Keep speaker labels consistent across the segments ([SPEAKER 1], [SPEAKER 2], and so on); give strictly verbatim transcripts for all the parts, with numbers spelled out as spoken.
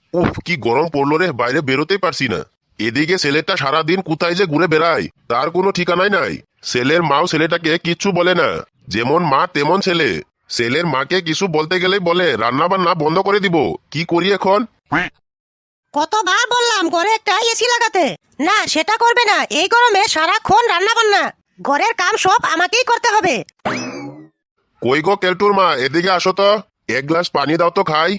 [SPEAKER 1] উফ, কি গরম পড়লো রে, বাইরে বেরোতেই পারছি না। এদিকে ছেলেটা সারাদিন কোথায় যে ঘুরে বেড়ায় তার কোনো ঠিকানাই নাই। ছেলের মাও ছেলেটাকে কিচ্ছু বলে না, যেমন মা তেমন ছেলে। ছেলের মাকে কিছু বলতে গেলেই বলে রান্না বান্না বন্ধ করে দিব। কি করি এখন?
[SPEAKER 2] কতবার বললাম ঘরে একটা এসি লাগাতে, না সেটা করবে না। এই গরমে সারাক্ষণ রান্না বান্না, ঘরের কাম সব আমাকেই করতে হবে।
[SPEAKER 1] কই গো কেলটুর মা, এদিকে আসো তো, এক গ্লাস পানি দাও তো খাই।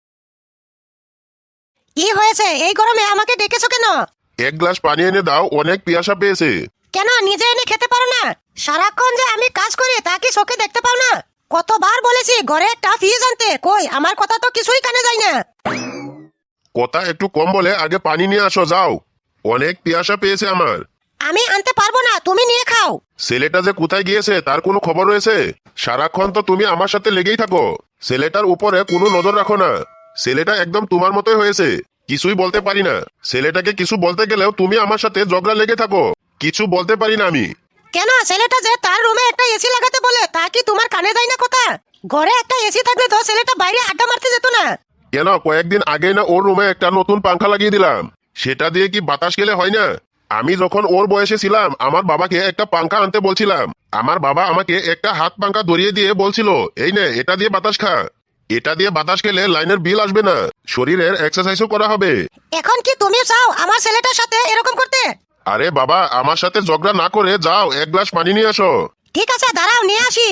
[SPEAKER 2] কি হয়েছে, এই গরমে আমাকে ডেকেছো কেন?
[SPEAKER 1] এক গ্লাস পানি এনে দাও, অনেক পিয়াসা পেয়েছে।
[SPEAKER 2] কেন নিজে এনে খেতে পারো না? সারাক্ষণ যে আমি কাজ করি তা কি চোখে দেখতে পাও না? কতবার বলেছি ঘরে একটা ফ্রিজ আনতে, কই আমার কথা তো কিছুই কানে যায় না।
[SPEAKER 1] কথা একটু কম বলে আগে পানি নিয়ে আসো, যাও। অনেক পিয়াসা পেয়েছে আমার।
[SPEAKER 2] আমি আনতে পারবো না, তুমি নিয়ে খাও।
[SPEAKER 1] ছেলেটা যে কোথায় গিয়েছে তার কোনো খবর রয়েছে? সারাক্ষণ তো তুমি আমার সাথে লেগেই থাকো, ছেলেটার উপরে কোনো নজর রাখো না। ছেলেটা একদম তোমার মতোই হয়েছে, কিছুই বলতে পারি না। ছেলেটাকে কিছু বলতে গেলেও তুমি আমার সাথে ঝগড়া লেগে থাকো, কিছু বলতে পারি না আমি।
[SPEAKER 2] কেন ছেলেটা যে তার রুমে একটা এসি লাগাতে বলে তা কি তোমার কানে যায় না কথা? ঘরে একটা এসি থাকলে তো ছেলেটা বাইরে আড্ডা মারতে যেত না?
[SPEAKER 1] কেন, কয়েকদিন আগে না ওর রুমে একটা নতুন পাংখা লাগিয়ে দিলাম, সেটা দিয়ে কি বাতাস গেলে হয় না? আমি যখন ওর বয়সে ছিলাম আমার বাবাকে একটা পাংখা আনতে বলছিলাম, আমার বাবা আমাকে একটা হাত পাংখা ধরিয়ে দিয়ে বলছিল, এই নে এটা দিয়ে বাতাস খা। এটা দিয়ে বাতাস খেলে লাইনের বিল আসবে না, শরীরের এক্সারসাইজও করা হবে।
[SPEAKER 2] এখন কি তুমি চাও আমার ছেলেটার সাথে এরকম করতে?
[SPEAKER 1] আরে বাবা, আমার সাথে ঝগড়া না করে যাও, এক গ্লাস পানি নিয়ে আসো।
[SPEAKER 2] ঠিক আছে দাঁড়াও, নিয়ে আসি।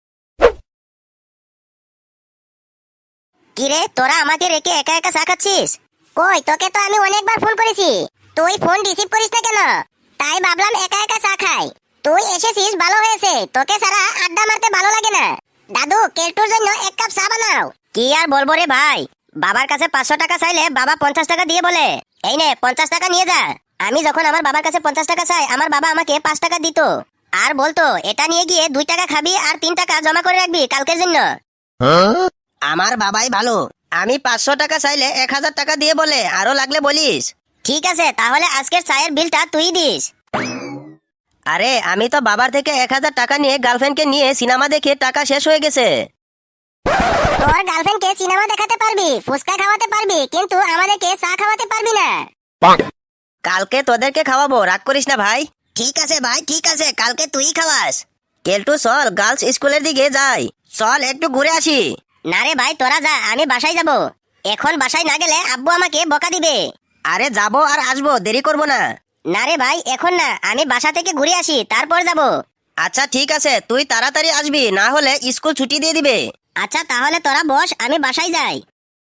[SPEAKER 3] কিরে, তোরা আমাকে রেখে একা একা চা খাচ্ছিস? কই, তোকে তো আমি অনেকবার ফোন করেছি, তুই ফোন রিসিভ করিস না কেন? তাই ভাবলাম একা একা চা খাই। তুই এসেছিস ভালো হয়েছে, তোকে ছাড়া আড্ডা মারতে ভালো লাগে না। দাদু, কেলটুর জন্য এক কাপ চা বানাও। কি আর বলবো রে ভাই, বাবার কাছে পাঁচশো টাকা চাইলে বাবা পঞ্চাশ টাকা দিয়ে বলে, এই নে পঞ্চাশ টাকা নিয়ে যা। আমি যখন আমার বাবার কাছে পঞ্চাশ টাকা চাই, আমার বাবা আমাকে পাঁচ টাকা দিত, আর বলতো এটা নিয়ে গিয়ে দুই টাকা খাবি আর তিন টাকা জমা করে রাখবি কালকের জন্য।
[SPEAKER 2] আমার বাবাই ভালো, আমি পাঁচশো টাকা চাইলে এক হাজার টাকা দিয়ে বলে আরো লাগলে বলিস।
[SPEAKER 3] ঠিক আছে, তাহলে আজকের চায়ের বিলটা তুই দিস।
[SPEAKER 2] আরে আমি তো বাবার থেকে এক হাজার টাকা নিয়ে গার্লফ্রেন্ডকে নিয়ে সিনেমা দেখে টাকা শেষ হয়ে গেছে।
[SPEAKER 3] তোর গার্লফ্রেন্ডকে সিনেমা দেখাতে পারবি, ফুচকা খাওয়াতে পারবি, কিন্তু আমাদেরকে চা খাওয়াতে পারবি না।
[SPEAKER 2] কালকে তোদেরকে খাওয়াবো, রাগ করিস না ভাই।
[SPEAKER 3] ঠিক আছে ভাই, ঠিক আছে, কালকে তুই খাওয়াস।
[SPEAKER 2] কেলটু চল গার্লস স্কুলের দিকে যাই, চল একটু ঘুরে আসি।
[SPEAKER 3] না রে ভাই, তোরা যা, আমি বাসায় যাব। এখন বাসায় না গেলে আব্বু আমাকে বকা দিবে।
[SPEAKER 2] আরে যাবো আর আসবো, দেরি করবো না।
[SPEAKER 3] না রে ভাই, এখন না, আমি বাসা থেকে ঘুরে আসি তারপর যাব।
[SPEAKER 2] আচ্ছা ঠিক আছে, তুই তাড়াতাড়ি আসবি, না হলে স্কুল ছুটি দিয়ে দিবে।
[SPEAKER 3] আচ্ছা তাহলে তোরা বস, আমি বাসায় যাই।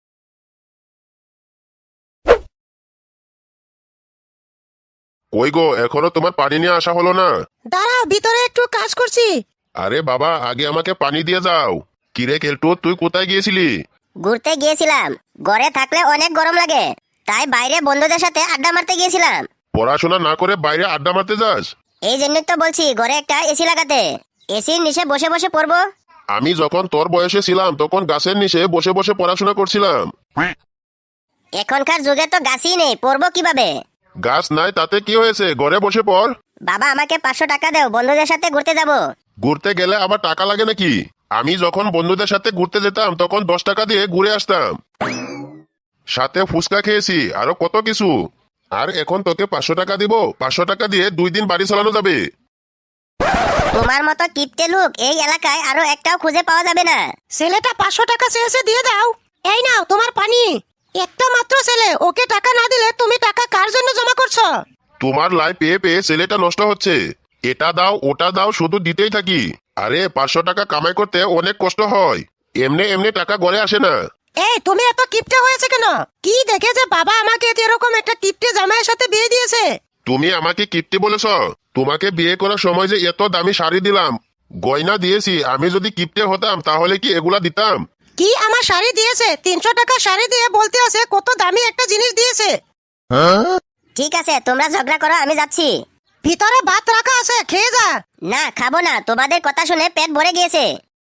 [SPEAKER 1] কই গো, এখনো তোমার পানি নিয়ে আসা হলো না?
[SPEAKER 2] দাঁড়াও, ভিতরে একটু কাজ করছি।
[SPEAKER 1] আরে বাবা, আগে আমাকে পানি দিয়ে যাও। কিরে কেলটু, তুই কোথায় গিয়েছিলি?
[SPEAKER 3] ঘুরতে গিয়েছিলাম, ঘরে থাকলে অনেক গরম লাগে, তাই বাইরে বন্ধুদের সাথে আড্ডা মারতে গিয়েছিলাম।
[SPEAKER 1] পড়াশোনা না করে বাইরে আড্ডা মারতে যাস?
[SPEAKER 3] এই জন্যই তো বলছি ঘরে একটা এসি লাগাতে, এসির নিচে বসে বসে পড়বো।
[SPEAKER 1] আমি যখন তোর বয়সে ছিলাম তখন গাছের নিচে বসে বসে পড়াশোনা করছিলাম।
[SPEAKER 3] এখনকার যুগে তো গাছই নেই, পড়বো কিভাবে?
[SPEAKER 1] গাছ নাই তাতে কি হয়েছে, ঘরে বসে পড়।
[SPEAKER 3] বাবা আমাকে পাঁচশো টাকা দাও, বন্ধুদের সাথে ঘুরতে যাব।
[SPEAKER 1] ঘুরতে গেলে আবার টাকা লাগে নাকি? আমি যখন বন্ধুদের সাথে ঘুরতে যেতাম তখন দশ টাকা দিয়ে ঘুরে আসতাম, সাথে ফুচকা খেয়েছি, আরো কত কিছু। আর এখন তোকে পাঁচশো টাকা দিব, পাঁচশো টাকা দিয়ে দুই দিন বাড়ি চালানো যাবে।
[SPEAKER 3] তোমার মতো কিপটে লোক এই এলাকায় আরো একটাও খুঁজে পাওয়া যাবে না।
[SPEAKER 2] ছেলেটা পাঁচশো টাকা চেয়েছে, দিয়ে দাও। এই নাও তোমার পানি। একটা মাত্র ছেলে, ওকে টাকা না দিলে তুমি টাকা কার জন্য জমা করছো?
[SPEAKER 1] তোমার লাই পেয়ে পেয়ে ছেলেটা নষ্ট হচ্ছে, এটা দাও ওটা দাও শুধু দিতেই থাকি। আরে পাঁচশো টাকা কামাই করতে অনেক কষ্ট হয়, এমনি এমনি টাকা ঘরে আসে না।
[SPEAKER 2] এই তুমি এত কিপটে হয়েছে কেন? কি দেখে যে বাবা আমাকে এরকম একটা কিপটে জামাইয়ের সাথে বিয়ে দিয়েছে?
[SPEAKER 1] তুমি আমাকে কিপ্টি বলেছ? তোমাকে বিয়ে করার সময় যে এত দামি শাড়ি দিলাম, গয়না দিয়েছি, আমি যদি কিপ্টে হতাম তাহলে কি এগুলা দিতাম?
[SPEAKER 2] কি আমার শাড়ি দিয়েছে? তিনশো টাকা শাড়ি দিয়ে বলতে আছে কত দামি একটা জিনিস দিয়েছে।
[SPEAKER 3] ঠিক আছে, তোমরা ঝগড়া করো, আমি যাচ্ছি।
[SPEAKER 2] ভিতরে ভাত রাখা আছে, খেয়ে যা।
[SPEAKER 3] না, খাবো না, তোমাদের কথা শুনে পেট ভরে গিয়েছে।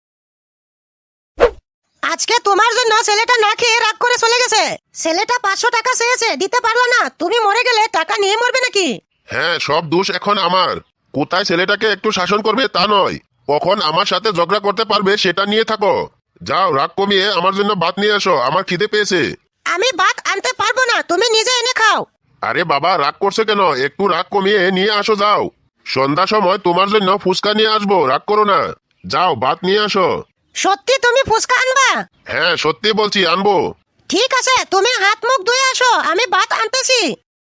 [SPEAKER 2] আজকে তোমার জন্য ছেলেটা না খেয়ে রাগ করে চলে গেছে। ছেলেটা পাঁচশো টাকা চেয়েছে, দিতে পারলো না, তুমি মরে গেলে টাকা নিয়ে মরবে নাকি?
[SPEAKER 1] হ্যাঁ, সব দোষ এখন আমার। কোথায় ছেলেটাকে একটু শাসন করবে তা নয়, কখন আমার সাথে ঝগড়া করতে পারবে সেটা নিয়ে থাকো। যাও, রাগ কমিয়ে আমার জন্য ভাত নিয়ে এসো, আমার খিদে পেয়েছে।
[SPEAKER 2] আমি ভাত আনতে পারবো না, তুমি নিজে এনে খাও।
[SPEAKER 1] আরে বাবা রাগ করছে কেন, একটু রাগ কমিয়ে নিয়ে আসো যাও। সন্ধ্যা সময় তোমার জন্য ফুচকা নিয়ে আসবো, রাগ করো না। যাও ভাত নিয়ে আসো।
[SPEAKER 2] সত্যি তুমি ফুচকা আনবা?
[SPEAKER 1] হ্যাঁ সত্যি বলছি, আনবো।
[SPEAKER 2] ঠিক আছে, তুমি হাত মুখ ধুয়ে আসো, আমি ভাত আনতেছি।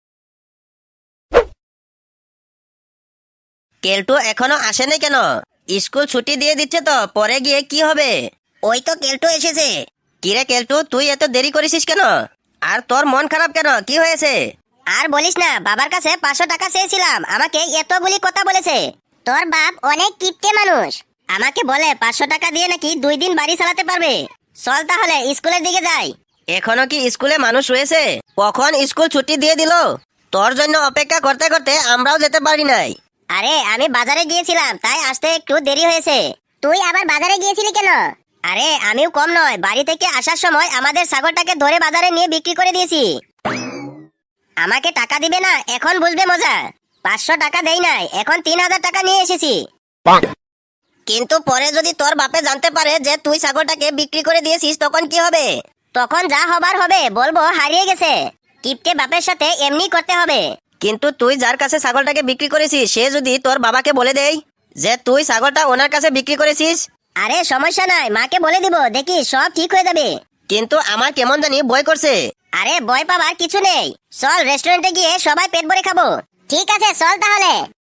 [SPEAKER 4] কেলটু এখনো আসেনি কেন? স্কুল ছুটি দিয়ে দিচ্ছে তো, পরে গিয়ে কি হবে?
[SPEAKER 3] ওই তো কেলটু এসেছে।
[SPEAKER 4] কিরে কেলটু, তুই এত দেরি করেছিস কেন? আর তোর মন খারাপ কেন, কি হয়েছে?
[SPEAKER 3] আর বলিস না, বাবার কাছে পাঁচশো টাকা চেয়েছিলাম, আমাকে এতগুলি কথা বলেছে। তোর বাপ অনেক কিপটে মানুষ, আমাকে বলে পাঁচশো টাকা দিয়ে নাকি দুই দিন বাড়ি চালাতে পারবে। চল তাহলে স্কুলের দিকে যাই।
[SPEAKER 4] এখনো কি স্কুলে মানুষ রয়েছে? কখন স্কুল ছুটি দিয়ে দিল? তোর জন্য অপেক্ষা করতে করতে আমরাও যেতে পারি নাই।
[SPEAKER 3] আরে আমি বাজারে গিয়েছিলাম, তাই আসতে একটু দেরি হয়েছে। তুই আবার বাজারে গিয়েছিলি কেন? আরে আমিও কম নয়, বাড়ি থেকে আসার সময় আমাদের ছাগলটাকে ধরে বাজারে নিয়ে বিক্রি করে দিয়েছি। আমাকে টাকা দিবে না, এখন বুঝবে মজা। পাঁচশো টাকা দেই নাই, এখন তিন হাজার টাকা নিয়ে এসেছি।
[SPEAKER 4] কিন্তু পরে যদি তোর বাপে জানতে পারে যে তুই ছাগলটাকে বিক্রি করে দিয়েছিস, তখন কি হবে?
[SPEAKER 3] তখন যা হবার হবে, বলবো হারিয়ে গেছে। কিপটে বাপের সাথে এমনি করতে হবে।
[SPEAKER 4] কিন্তু তুই যার কাছে ছাগলটাকে বিক্রি করেছিস, সে যদি তোর বাবাকে বলে দেয় যে তুই ছাগলটা ওনার কাছে বিক্রি করেছিস?
[SPEAKER 3] আরে সমস্যা নাই, মাকে বলে দিব, দেখি সব ঠিক হয়ে যাবে।
[SPEAKER 4] কিন্তু আমার কেমন জানি ভয় করছে।
[SPEAKER 3] আরে ভয় পাবার কিছু নেই, চল রেস্টুরেন্টে গিয়ে সবাই পেট ভরে খাবো। ঠিক আছে চল তাহলে।